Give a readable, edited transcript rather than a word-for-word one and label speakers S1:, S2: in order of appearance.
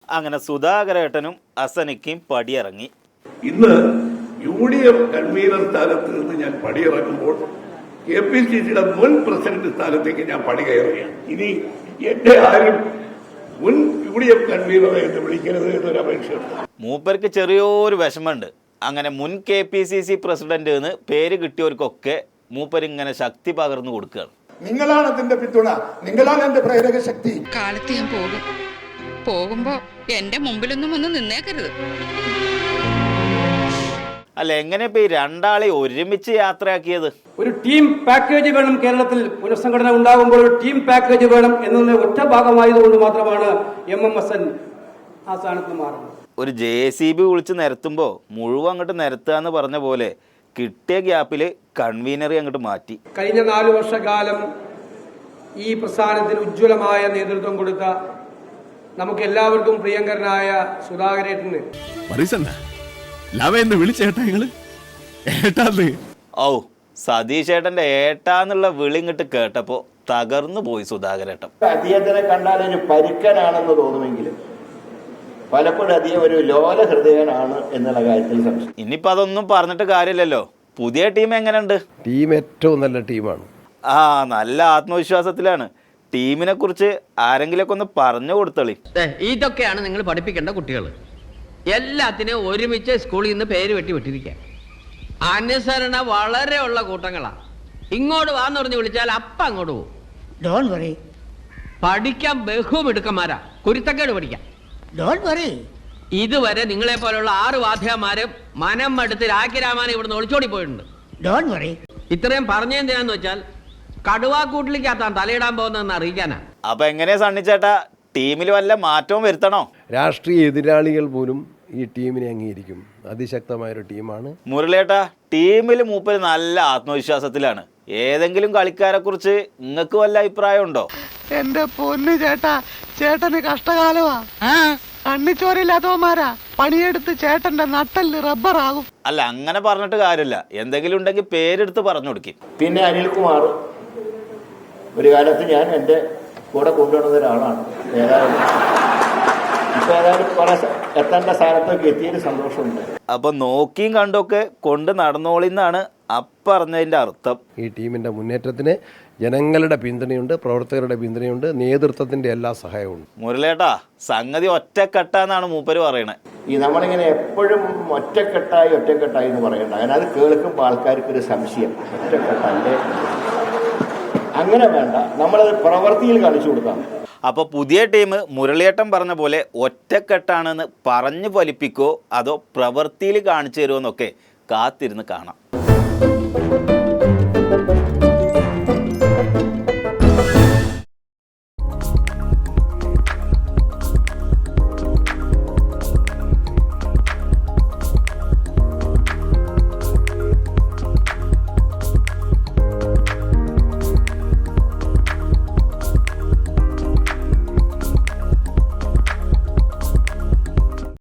S1: അങ്ങനെ സുധാകരേട്ടനും അസനിക്കും പടിയിറങ്ങി.
S2: ഇന്ന് UDF convener സ്ഥാനത്ത് നിന്ന് ഞാൻ പടിയിറങ്ങുമ്പോൾ KPCCയുടെ മുൻ പ്രസിഡന്റ് സ്ഥാനത്തേക്ക് ഞാൻ പടി കയറുകയാണ്. ഇനി എന്റെ ആരും മുൻ UDF കൺവീനറെ എന്ന് വിളിക്കരുത് എന്നൊരു അപേക്ഷയുണ്ട്.
S1: മൂപ്പർക്ക് ചെറിയൊരു വിഷമമുണ്ട്. അങ്ങനെ മുൻ KPCC പ്രസിഡന്റ് എന്ന് പേര് കിട്ടിയവർക്കൊക്കെ മൂപ്പരിങ്ങനെ ശക്തി പകർന്നു കൊടുക്കുകയാണ്.
S3: നിങ്ങളാണ് അതിന്റെ പിന്തുണ, നിങ്ങളാണ് എന്റെ പ്രേരക ശക്തി.
S4: കാലത്ത് ഞാൻ പോകുമ്പോ എന്റെ മുമ്പിലൊന്നും വന്ന് നിന്നേക്കരുത്.
S1: അല്ല, എങ്ങനെ ഇപ്പൊ ഈ രണ്ടാളെ ഒരുമിച്ച് യാത്രയാക്കിയത്?
S5: ഒരു ടീം പാക്കേജ് വേണം. കേരളത്തിൽ പുനഃസംഘടന ഉണ്ടാകുമ്പോൾ ഒരു ടീം പാക്കേജ് വേണം എന്നതിന്റെ ഒറ്റ ഭാഗമായതുകൊണ്ട് മാത്രമാണ് MMS ആ സ്ഥാനത്ത് മാറുന്നത്.
S1: ഒരു JCB വിളിച്ച് നിരത്തുമ്പോ മുഴുവൻ അങ്ങോട്ട് നിരത്തുക എന്ന് പറഞ്ഞ പോലെ കിട്ടിയ ഗ്യാപ്പില് കൺവീനറെ അങ്ങോട്ട് മാറ്റി.
S5: കഴിഞ്ഞ 4 വർഷക്കാലം ഈ പ്രസ്ഥാനത്തിന് ഉജ്ജ്വലമായ നേതൃത്വം കൊടുത്ത നമുക്ക് എല്ലാവർക്കും പ്രിയങ്കരനായ സുധാകരേട്ടന്
S1: ഔ, സതീശേട്ടന്റെ ഏട്ടാന്നുള്ള വിളി ഇങ്ങോട്ട് കേട്ടപ്പോ തകർന്നു പോയി സുധാകരേട്ടൻ.
S6: അദ്ദേഹത്തിനെ കണ്ടാൽ ഒരു പരുക്കനാണെന്ന് തോന്നുമെങ്കിലും പലപ്പോഴും അദ്ദേഹം ഒരു ലോല ഹൃദയനാണ് എന്നുള്ള കാര്യത്തിൽ സംശയം.
S1: ഇനിയിപ്പോ അതൊന്നും പറഞ്ഞിട്ട് കാര്യമില്ലല്ലോ. പുതിയ ടീം എങ്ങനെയുണ്ട്?
S7: ടീം ഏറ്റവും നല്ല ടീമാണ്.
S1: നല്ല ആത്മവിശ്വാസത്തിലാണ്. ടീമിനെ കുറിച്ച് ആരെങ്കിലൊക്കെ ഒന്ന് പറഞ്ഞു കൊടുത്തളി.
S8: ഇതൊക്കെയാണ് നിങ്ങൾ പഠിപ്പിക്കേണ്ട കുട്ടികൾ. എല്ലാത്തിനും ഒരുമിച്ച് സ്കൂളിൽ നിന്ന് പേര് വിട്ടിരിക്കുക. അനുസരണ വളരെ ഉള്ള കൂട്ടങ്ങളാ. ഇങ്ങോട്ട് വാന്ന് പറഞ്ഞ് വിളിച്ചാൽ അപ്പം അങ്ങോട്ട് പോകും.
S9: Don't worry.
S8: പഠിക്കാൻ ബഹുമിടുക്കന്മാരാ. കുരുത്തക്കേട് പഠിക്കാം.
S9: Don't worry.
S8: ഇതുവരെ നിങ്ങളെ പോലുള്ള 6 വാദ്യമാരും മനം മടുത്ത് രാഖിരാമാനെ ഇവിടുന്ന് ഒളിച്ചോടി പോയിട്ടുണ്ട്.
S9: Don't worry.
S8: ഇത്രയും പറഞ്ഞെന്തിനാന്ന് വെച്ചാൽ കടുവാക്കൂട്ടിലേക്കാത്താൻ തലയിടാൻ പോകുന്നതെന്ന് അറിയിക്കാനാ.
S1: അപ്പൊ എങ്ങനെയാ സണ്ണിച്ചേട്ടാ, ടീമിൽ വല്ല മാറ്റവും വരുത്തണോ?
S7: രാഷ്ട്രീയ എതിരാളികൾ പോലും ഈ ടീമിനെ അംഗീകരിക്കും. അതിശക്തമായൊരു ടീമാണ്.
S1: മുരളിയേട്ടാ, ടീമിൽ മൂപ്പര് നല്ല ആത്മവിശ്വാസത്തിലാണ്. ഏതെങ്കിലും കളിക്കാരെ കുറിച്ച് നിങ്ങൾക്ക് വല്ല അഭിപ്രായം ഉണ്ടോ?
S10: എന്റെ പൊന്നു ചേട്ടാ, ചേട്ടന് കഷ്ടകാലമാ. കണ്ണിച്ചോരില്ലാത്തവന്മാരാ പണിയെടുത്ത് ചേട്ടന്റെ നട്ടല് റബ്ബറാകും.
S1: അല്ല, അങ്ങനെ പറഞ്ഞിട്ട് കാര്യമില്ല. എന്തെങ്കിലും ഉണ്ടെങ്കിൽ പേരെടുത്ത് പറഞ്ഞു കൊടുക്കും.
S6: പിന്നെ അനിൽകുമാർ ഒരു കാലത്ത് ഞാൻ എൻ്റെ കൂടെ കൊണ്ടുവരുന്ന ഒരാളാണ്. ഇപ്പൊ ഏതായാലും കുറെ എത്തേണ്ട സ്ഥാനത്തൊക്കെ എത്തിയതിന് സന്തോഷമുണ്ട്.
S1: അപ്പൊ നോക്കിയും കണ്ടൊക്കെ കൊണ്ട് നടന്നോളിന്നാണ് അപ്പറഞ്ഞതിന്റെ അർത്ഥം.
S7: ഈ ടീമിന്റെ മുന്നേറ്റത്തിന് ജനങ്ങളുടെ പിന്തുണയുണ്ട്, പ്രവർത്തകരുടെ പിന്തുണയുണ്ട്, നേതൃത്വത്തിന്റെ എല്ലാ സഹായവും.
S1: മുരളിയേട്ടാ, സംഗതി ഒറ്റക്കെട്ടാന്നാണ് മൂപ്പര് പറയണത്.
S6: ഈ നമ്മളിങ്ങനെ എപ്പോഴും ഒറ്റക്കെട്ടായി എന്ന് പറയണ്ട. അങ്ങനെ അത് കേൾക്കുമ്പോൾ ആൾക്കാർക്കൊരു സംശയം, ഒറ്റക്കെട്ടല്ലേ? അങ്ങനെ വേണ്ട, നമ്മളത് പ്രവൃത്തിയിൽ കാണിച്ചു കൊടുക്കാം.
S1: അപ്പൊ പുതിയ ടീം മുരളിയേട്ടൻ പറഞ്ഞ പോലെ ഒറ്റക്കെട്ടാണെന്ന് പറഞ്ഞു ഫലിപ്പിക്കോ അതോ പ്രവൃത്തിയിൽ കാണിച്ചു തരുമോ എന്നൊക്കെ കാത്തിരുന്ന് കാണാം.